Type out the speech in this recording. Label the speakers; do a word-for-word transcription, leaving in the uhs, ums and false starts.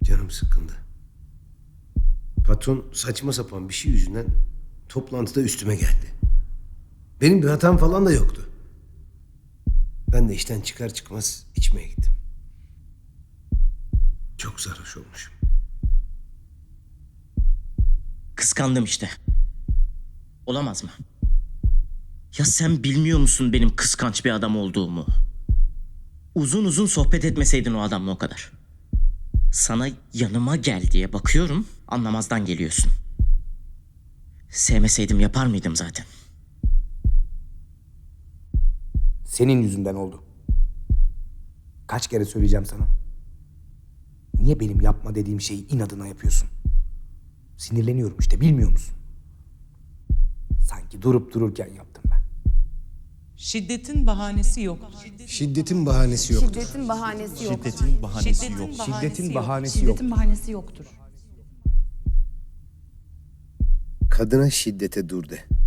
Speaker 1: Canım sıkkındı. Patron saçma sapan bir şey yüzünden toplantıda üstüme geldi. Benim bir hatam falan da yoktu. Ben de işten çıkar çıkmaz içmeye gittim. Çok sarhoş olmuşum.
Speaker 2: Kıskandım işte. Olamaz mı? Ya sen bilmiyor musun benim kıskanç bir adam olduğumu? Uzun uzun sohbet etmeseydin o adamla o kadar. Sana yanıma gel diye bakıyorum, anlamazdan geliyorsun. Sevmeseydim yapar mıydım zaten?
Speaker 3: Senin yüzünden oldu. Kaç kere söyleyeceğim sana? Niye benim yapma dediğim şeyi inadına yapıyorsun? Sinirleniyorum işte, bilmiyor musun? Sanki durup dururken yaptım ben.
Speaker 4: Şiddetin bahanesi yoktur.
Speaker 1: Şiddetin bahanesi yoktur.
Speaker 5: Şiddetin bahanesi yok.
Speaker 6: Şiddetin bahanesi
Speaker 4: Şiddetin
Speaker 6: yok.
Speaker 4: bahanesi
Speaker 3: Şiddetin
Speaker 4: yok.
Speaker 3: bahanesi yok.
Speaker 5: Şiddetin bahanesi yoktur.
Speaker 1: Kadına şiddete dur de.